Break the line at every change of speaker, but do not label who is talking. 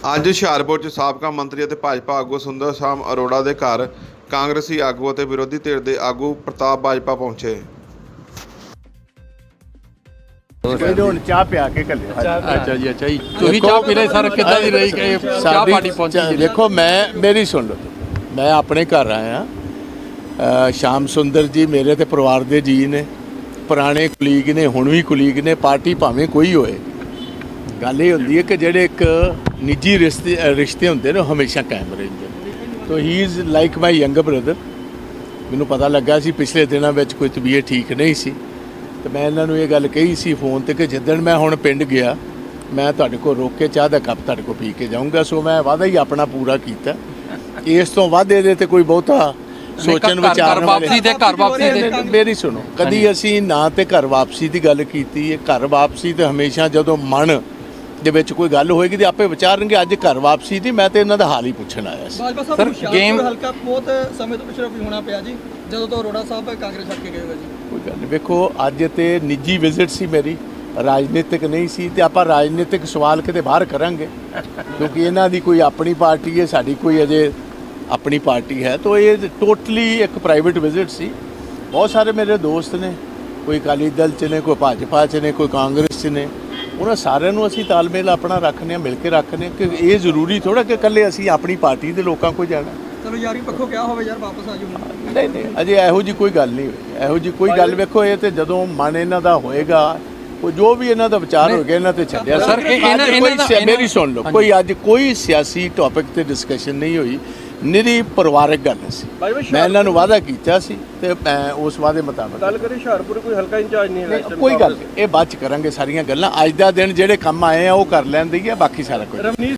ਅੱਜ ਹੁਸ਼ਿਆਰਪੁਰ 'ਚ ਸਾਬਕਾ ਮੰਤਰੀ ਅਤੇ ਭਾਜਪਾ ਆਗੂ ਸੁੰਦਰ ਸ਼ਾਮ ਅਰੋੜਾ ਦੇ ਘਰ ਕਾਂਗਰਸੀ ਆਗੂ ਅਤੇ ਵਿਰੋਧੀ ਧਿਰ ਦੇ ਆਗੂ ਪ੍ਰਤਾਪ ਬਾਜਪਾ ਪਹੁੰਚੇ।
ਹੁਣ ਚਾਹ ਪਿਆ ਕੇ ਘੱਲਿਆ।
ਅੱਛਾ ਜੀ ਤੁਸੀਂ ਚਾਹ ਪੀ ਰਹੇ ਸਰ, ਕਿੱਦਾਂ ਦੀ ਰਹੀ ਕਿ ਚਾਹ ਪਾਰਟੀ ਪਹੁੰਚੀ?
ਦੇਖੋ ਮੇਰੀ ਸੁਣ ਲਓ, ਮੈਂ ਆਪਣੇ ਘਰ ਆਇਆ। ਸ਼ਾਮ ਸੁੰਦਰ ਜੀ ਮੇਰੇ ਤੇ ਪਰਿਵਾਰ ਦੇ ਜੀ ਨੇ, ਪੁਰਾਣੇ ਕੁਲੀਗ ਨੇ, ਹੁਣ ਵੀ ਕੁਲੀਗ ਨੇ। ਪਾਰਟੀ ਭਾਵੇਂ ਕੋਈ ਹੋਏ, ਗੱਲ ਇਹ ਹੁੰਦੀ ਹੈ ਕਿ ਜਿਹੜੇ ਇੱਕ ਨਿੱਜੀ ਰਿਸ਼ਤੇ ਹੁੰਦੇ ਨੇ ਉਹ ਹਮੇਸ਼ਾ ਕਾਇਮ ਰਹਿੰਦੇ ਨੇ। ਤੋ he is like my younger brother. ਮੈਨੂੰ ਪਤਾ ਲੱਗਾ ਸੀ ਪਿਛਲੇ ਦਿਨਾਂ ਵਿੱਚ ਕੋਈ ਤਬੀਅਤ ਠੀਕ ਨਹੀਂ ਸੀ, ਤੇ ਮੈਂ ਇਹਨਾਂ ਨੂੰ ਇਹ ਗੱਲ ਕਹੀ ਸੀ ਫੋਨ ਤੇ ਕਿ ਜਿੱਦਣ ਮੈਂ ਹੁਣ ਪਿੰਡ ਗਿਆ ਮੈਂ ਤੁਹਾਡੇ ਕੋਲ ਰੋਕ ਕੇ ਚਾਹ ਦਾ ਕੱਪ ਤੁਹਾਡੇ ਕੋਲ ਪੀ ਕੇ ਜਾਊਂਗਾ। ਸੋ ਮੈਂ ਵਾਅਦਾ ਹੀ ਆਪਣਾ ਪੂਰਾ ਕੀਤਾ। ਇਸ ਤੋਂ ਵੱਧ ਇਹਦੇ ਤੇ ਕੋਈ ਬਹੁਤਾ ਸੋਚਣ ਵਿਚਾਰਨ ਵਾਲੀ ਮੇਰੀ ਸੁਣੋ, ਕਦੀ ਅਸੀਂ ਨਾ ਤੇ ਘਰ ਵਾਪਸੀ ਦੀ ਗੱਲ ਕੀਤੀ ਹੈ। ਘਰ ਵਾਪਸੀ ਤੇ ਹਮੇਸ਼ਾ ਜਦੋਂ ਮਨ ਦੇ ਵਿੱਚ ਕੋਈ ਗੱਲ ਹੋਏਗੀ ਤੇ ਆਪੇ ਵਿਚਾਰਨਗੇ। ਅੱਜ ਘਰ ਵਾਪਸੀ ਦੀ ਮੈਂ ਤੇ ਇਹਨਾਂ ਦਾ ਹਾਲ ਹੀ ਪੁੱਛਣ ਆਇਆ ਸੀ।
ਸਰ ਗੇਮ ਹਲਕਾ ਬਹੁਤ ਸਮੇਂ ਤੋਂ ਪਿਛੜਾ ਵੀ ਹੋਣਾ ਪਿਆ ਜੀ, ਜਦੋਂ ਤੋਂ ਅਰੋੜਾ ਸਾਹਿਬ ਕਾਂਗਰਸ ਛੱਡ ਕੇ ਗਏ ਹੋਏ ਜੀ।
ਕੋਈ ਗੱਲ ਨਹੀਂ, ਵੇਖੋ ਅੱਜ ਤੇ ਨਿੱਜੀ ਵਿਜ਼ਿਟ ਸੀ ਮੇਰੀ, ਰਾਜਨੀਤਿਕ ਨਹੀਂ ਸੀ। ਤੇ ਆਪਾਂ ਰਾਜਨੀਤਿਕ ਸਵਾਲ ਕਿਤੇ ਬਾਹਰ ਕਰਾਂਗੇ ਕਿਉਂਕਿ ਇਹਨਾਂ ਦੀ ਕੋਈ ਆਪਣੀ ਪਾਰਟੀ ਹੈ, ਸਾਡੀ ਕੋਈ ਅਜੇ ਆਪਣੀ ਪਾਰਟੀ ਹੈ। ਤਾਂ ਇਹ ਟੋਟਲੀ ਇੱਕ ਪ੍ਰਾਈਵੇਟ ਵਿਜ਼ਿਟ ਸੀ। ਬਹੁਤ ਸਾਰੇ ਮੇਰੇ ਦੋਸਤ ਨੇ, ਕੋਈ ਅਕਾਲੀ ਦਲ 'ਚ ਨੇ, ਕੋਈ ਭਾਜਪਾ 'ਚ ਨੇ, ਕੋਈ ਕਾਂਗਰਸ 'ਚ ਨੇ। ਉਹਨਾਂ ਸਾਰਿਆਂ ਨੂੰ ਅਸੀਂ ਤਾਲਮੇਲ ਆਪਣਾ ਰੱਖਦੇ ਹਾਂ, ਮਿਲ ਕੇ ਰੱਖਦੇ ਹਾਂ ਕਿ ਇਹ ਜ਼ਰੂਰੀ ਥੋੜ੍ਹਾ ਕਿ ਇਕੱਲੇ ਅਸੀਂ ਆਪਣੀ ਪਾਰਟੀ ਦੇ ਲੋਕਾਂ ਕੋਲ ਜਾਣਾ।
ਚਲੋ ਯਾਰੀ ਪੱਖੋਂ ਕਿਹਾ ਹੋਵੇ ਯਾਰ ਵਾਪਸ ਆ ਜਾਓ।
ਨਹੀਂ ਅਜੇ ਇਹੋ ਜਿਹੀ ਕੋਈ ਗੱਲ ਨਹੀਂ ਹੋਈ। ਇਹੋ ਜਿਹੀ ਕੋਈ ਗੱਲ ਵੇਖੋ, ਇਹ ਤੇ ਜਦੋਂ ਮਨ ਇਹਨਾਂ ਦਾ ਹੋਏਗਾ, ਉਹ ਜੋ ਵੀ ਇਹਨਾਂ ਦਾ ਵਿਚਾਰ ਹੋ ਗਿਆ ਇਹਨਾਂ ਤੇ ਛੱਡਿਆ।
ਸਰ
ਮੇਰੀ ਸੁਣ ਲਓ, ਕੋਈ ਅੱਜ ਕੋਈ ਸਿਆਸੀ ਟੌਪਿਕ ਤੇ ਡਿਸਕਸ਼ਨ ਨਹੀਂ ਹੋਈ, ਨਿਰੀ ਪਰਿਵਾਰਕ ਗੱਲ ਸੀ। ਮੈਂ ਇਹਨਾਂ ਨੂੰ ਵਾਅਦਾ ਕੀਤਾ ਸੀ ਤੇ ਮੈਂ ਉਸ ਵਾਅਦੇ ਮੁਤਾਬਕ
ਗੱਲ ਕਰੀ। ਹੁਸ਼ਿਆਰਪੁਰ ਕੋਈ ਹਲਕਾ ਇੰਚਾਰਜ ਨਹੀਂ ਹੈ।
ਕੋਈ ਗੱਲ ਇਹ ਬਾਅਦ ਚ ਕਰਾਂਗੇ ਸਾਰੀਆਂ ਗੱਲਾਂ। ਅੱਜ ਦਾ ਦਿਨ ਜਿਹੜੇ ਕੰਮ ਆਏ ਆ ਉਹ ਕਰ ਲੈਂਦੀ ਹੈ, ਬਾਕੀ ਸਾਰਾ ਕੁਝ